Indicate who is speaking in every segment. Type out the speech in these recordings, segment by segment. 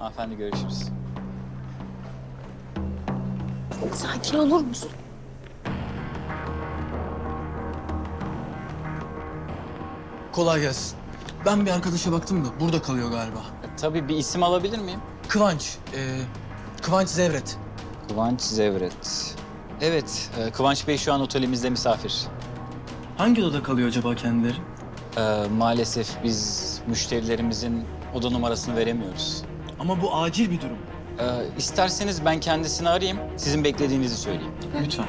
Speaker 1: Hanımefendi görüşürüz.
Speaker 2: Sakin olur musun?
Speaker 3: Kolay gelsin. Ben bir arkadaşa baktım da burada kalıyor galiba.
Speaker 1: Tabii bir isim alabilir miyim?
Speaker 3: Kıvanç. Kıvanç Zevret.
Speaker 1: Kıvanç Zevret. Evet, Kıvanç Bey şu an otelimizde misafir.
Speaker 3: Hangi odada kalıyor acaba kendileri?
Speaker 1: Maalesef biz müşterilerimizin oda numarasını veremiyoruz.
Speaker 3: Ama bu acil bir durum.
Speaker 1: İsterseniz ben kendisini arayayım, sizin beklediğinizi söyleyeyim.
Speaker 3: Lütfen.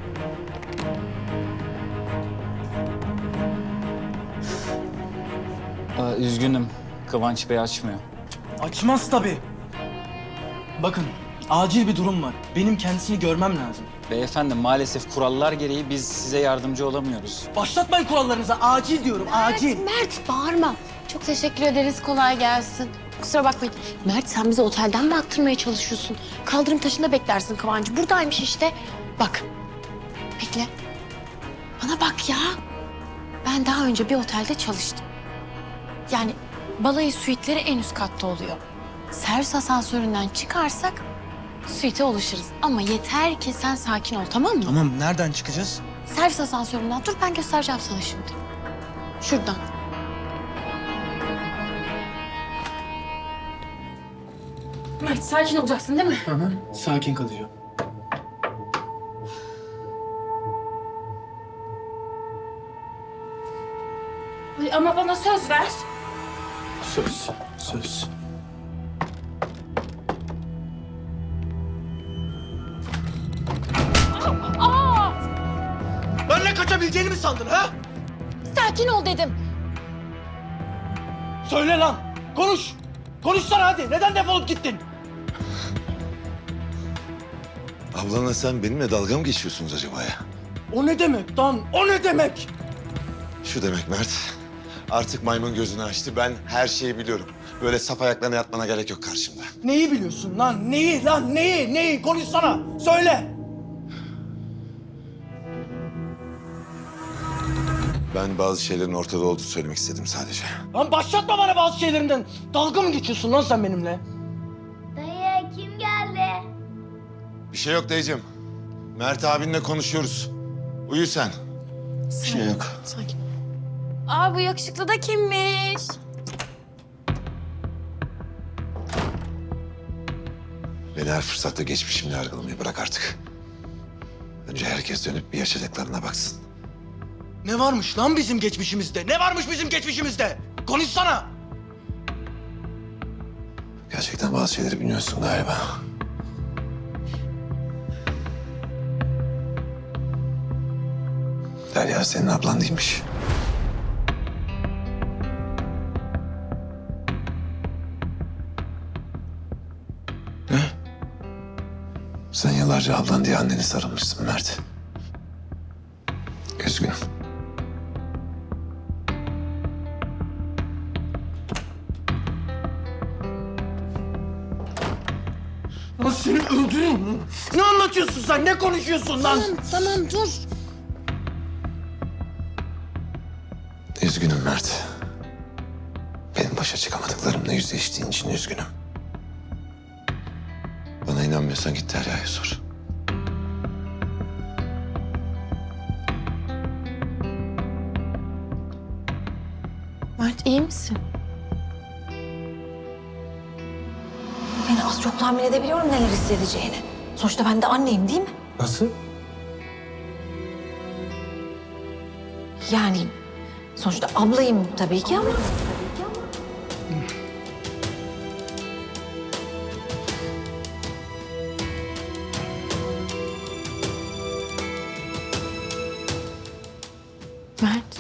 Speaker 1: Üzgünüm, Kıvanç Bey açmıyor.
Speaker 3: Açmaz tabii. Bakın, acil bir durum var. Benim kendisini görmem lazım.
Speaker 1: Beyefendi maalesef kurallar gereği biz size yardımcı olamıyoruz.
Speaker 3: Başlatmayın kurallarınıza. Acil diyorum, acil.
Speaker 2: Mert bağırma. Çok teşekkür ederiz. Kolay gelsin. Kusura bakmayın. Mert sen bizi otelden mi attırmaya çalışıyorsun? Kaldırım taşında beklersin Kıvancı. Buradaymış işte. Bak. Bekle. Bana bak ya. Ben daha önce bir otelde çalıştım. Yani balayı suitleri en üst katta oluyor. Servis asansöründen çıkarsak suite ulaşırız. Ama yeter ki sen sakin ol, tamam mı?
Speaker 3: Tamam, nereden çıkacağız?
Speaker 2: Servis asansöründen dur, ben göstereceğim sana şimdi. Şuradan. Mert sakin olacaksın değil mi?
Speaker 3: Hı hı, sakin kalacağım.
Speaker 2: Ama bana söz ver.
Speaker 3: Söz. Benle kaçabileceğini mi sandın ha?
Speaker 2: Sakin ol dedim.
Speaker 3: Söyle lan, konuş. Konuşsana hadi, neden defolup gittin?
Speaker 4: Ablanla sen benimle dalga mı geçiyorsunuz acaba ya?
Speaker 3: O ne demek lan, o ne demek?
Speaker 4: Şu demek Mert, artık maymun gözünü açtı. Ben her şeyi biliyorum. Böyle sap ayaklarına yatmana gerek yok karşımda.
Speaker 3: Neyi biliyorsun lan, neyi? Konuşsana, söyle.
Speaker 4: Ben bazı şeylerin ortada olduğunu söylemek istedim sadece.
Speaker 3: Lan başlatma bana bazı şeylerinden. Dalga mı geçiyorsun lan sen benimle?
Speaker 5: Dayı kim geldi?
Speaker 4: Bir şey yok dayıcığım. Mert abinle konuşuyoruz. Uyu sen. Bir şey yok.
Speaker 2: Sakin. Aa bu yakışıklı da kimmiş?
Speaker 4: Beni her fırsatta geçmişimle yargılamayı bırak artık. Önce herkes dönüp bir yaşadıklarına baksın.
Speaker 3: Ne varmış lan bizim geçmişimizde? Ne varmış bizim geçmişimizde? Konuşsana.
Speaker 4: Gerçekten bazı şeyleri bilmiyorsun galiba. Derya senin ablan değilmiş.
Speaker 3: Ne?
Speaker 4: Sen yıllarca ablan diye anneni sarılmışsın Mert. Üzgünüm.
Speaker 3: Lan seni öldürürüm lan. Ne anlatıyorsun sen? Ne konuşuyorsun lan?
Speaker 2: Tamam dur.
Speaker 4: Üzgünüm Mert. Benim başa çıkamadıklarımla yüzleştiğin için üzgünüm. Bana inanmıyorsan git Derya'ya sor.
Speaker 2: Mert iyi misin?
Speaker 6: Yani az çok tahmin edebiliyorum neler hissedeceğini. Sonuçta ben de anneyim değil mi?
Speaker 3: Nasıl?
Speaker 6: Yani sonuçta ablayım tabii ki ama...
Speaker 2: Mert.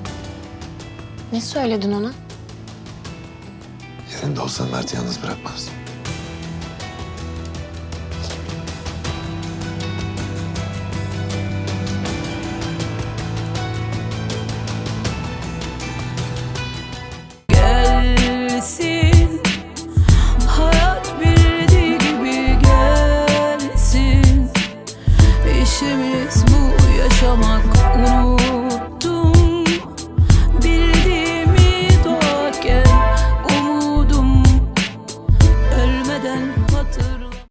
Speaker 2: Ne söyledin ona?
Speaker 4: Yerinde olsan Mert'i yalnız bırakmaz.